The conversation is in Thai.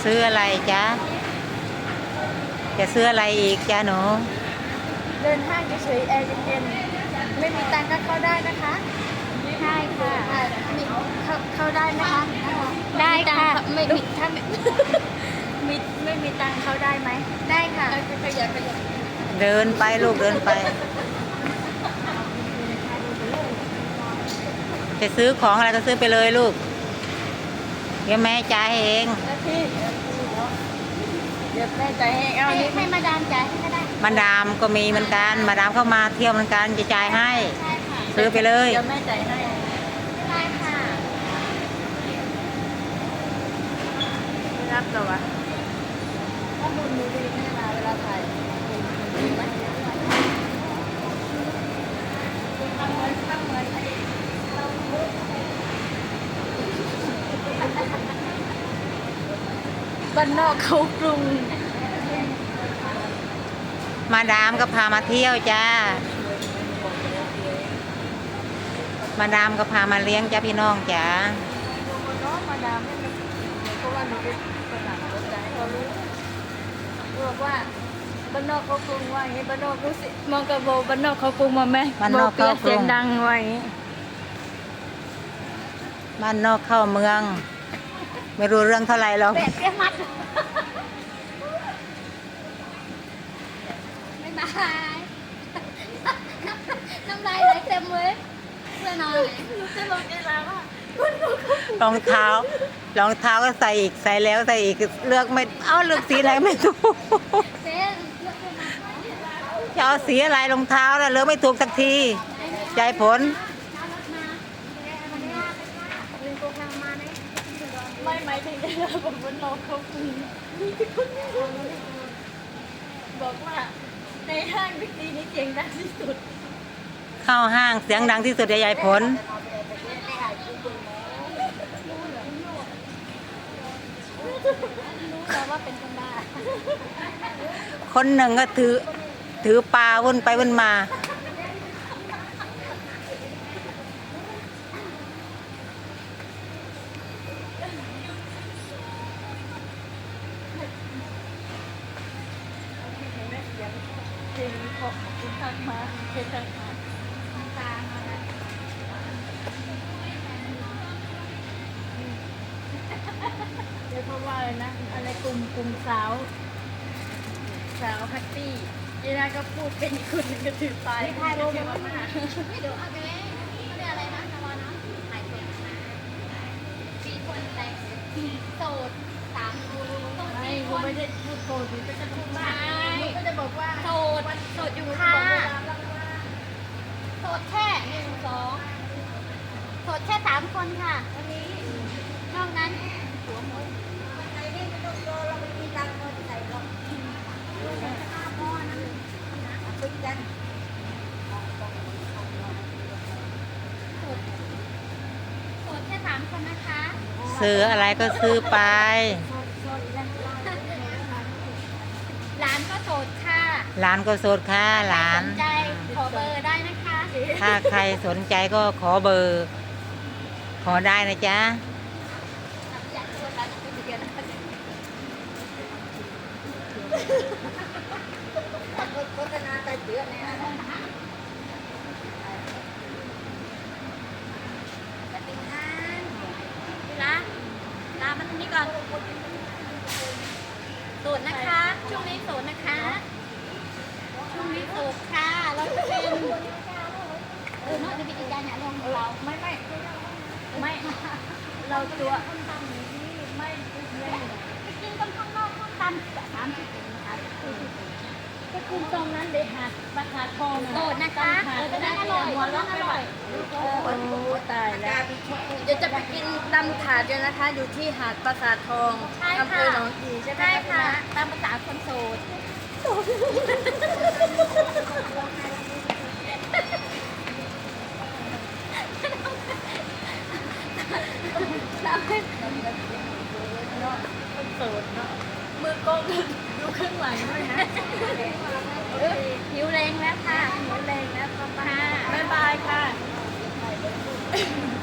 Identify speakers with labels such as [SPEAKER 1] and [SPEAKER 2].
[SPEAKER 1] ซื้ออะไรจ๊ะจะซื้ออะไรอีกจ๊ะหนู
[SPEAKER 2] เดินห้างเฉยๆแอร์เย็นๆไม่มีตังค์ก็เข้าได้นะคะใช่ค่ะมีเข้าได้ไหมคะได้ค่ะไม่มีถ้าไม่มีตังค์เข้าได้ไหมได้ค่ะขยับ
[SPEAKER 1] เดินไปลูกเดินไปจะซื้อของอะไรก็ซื้อไปเลยลูกเดี๋ยวแม่จ่ายเอง
[SPEAKER 2] เดี๋ยวแม่จ่ายให้เอานี้ให้มาดามจ่ายให้ก็ได้
[SPEAKER 1] มาดามก็มีเหมือนกันมาดามเข้ามาเที่ยวเหมือนกันจะจ่ายให้ซื้อไปเลย
[SPEAKER 2] เดี๋ยวแม่จ่ายให้ใช่ค่ะรับตัวข้อมูลดูดีไม่มาเวลาถ่ายดีไหมบ้านนอกเขากรุง
[SPEAKER 1] มาดามก็พามาเที่ยวจ้ามาดามก็พามาเลี้ยงจ้าพี่น้องจ้า
[SPEAKER 2] มาดามเพราะว่าหนูเป็นภาษาภาษาให้เขารู้บอกว่าบ้านนอกเขากรุงว่าอย่างนี้บ้านนอกรู้สิมองกระโบบ้านนอกเขากรุงมาไหม
[SPEAKER 1] บ้านนอกเขากรุง
[SPEAKER 2] เสียงดังไว้
[SPEAKER 1] บ้านนอกเข้าเมืองไม่รู้เรื่องเท่าไหร่หรอก
[SPEAKER 2] แบบเรียกมัดไม่บายน้ำลายไหลเต็มเลยเพื่อนอนรู้จะลงเวลาว่าร
[SPEAKER 1] องเท้าก็ใส่อีกใส่แล้วใส่อีกเลือกไม่เลือกสีอะไรไม่ถูกจะเอาสีอะไรรองเท้าแล้วเลือกไม่ถูกสักทีใจผล
[SPEAKER 2] ไม่หมายถึงเราบอกว่าน้องเขาคุยบอกว่าในห้างบิ๊กซีนี่เสียงดังที่สุด
[SPEAKER 1] เข้าห้างเสียงดังที่สุดใหญ่ผล
[SPEAKER 2] รู้แล้วว่าเป็นคนบ้า
[SPEAKER 1] คนหนึ่งก็ถือปลาวนไปวนมา
[SPEAKER 2] จริงขอบคุณทักมาเคยทักมาตามาแล้วเดี๋ยวเพราะว่าอะไรนะอะไรกลุ่มสาวแพตตี้ยีน่าก็พูดเป็นคุณก็ถือไปไม่ถ่ายรูปมาไม่เดี๋ยวเอาไปเขาเรียกอะไรนะนวนะถ่ายคนนะมีคนแต่งโสด3 คนไม่กูไม่ได้พูดโสดก็จะพูดว่าก็จะบอกว่าโสดอยู่ค่ะโสดแค่1 2โสดแค่3 คนค่ะวันนี้นอกนั้นหัวหมดใจนี่ไม่ต้องรอเราไม่มีตังค์ใส่หรอกพ่อนะคุยกันโสดแค่3 คนนะคะ
[SPEAKER 1] ซื้ออะไรก็ซื้อไป
[SPEAKER 2] หลานก็โสดค่ะ
[SPEAKER 1] หลานก็โสดค่ะหลาน
[SPEAKER 2] สนใจขอเบอร์ได้นะคะ
[SPEAKER 1] ถ้าใครสนใจก็ขอเบอร์ขอได้นะจ๊ะ
[SPEAKER 2] โฆษณาแต่เดือนเนี่ยลามาตรงนี้ก่อนโสดนะคะช่วงนี้โสดนะคะช่วงนี้โสดค่ะเราจะเป็นนอกจากกิจการเนี่ยลงเราไม่เราตัวไม่ไปกินกันข้างนอกข้างตัน30 นะคะก็คุณตรงนั้นเดี๋ยวหาดประสาททองโสดนะคะจะได้อร่อยหัวเราะอร่อยโอ้ตายแล้วเดี๋ยวจะไปกินตำถาดกันนะคะอยู่ที่หาดประสาททองอำเภอหนองกี่ใช่ไหมค่ะตามภาษาคนโสดคนโสดเนาะมือกล้องดูข้างหลังด้วยนะหิวแรงแล้วค่ะหิวแรงแล้วค่ะบ๊ายบายค่ะ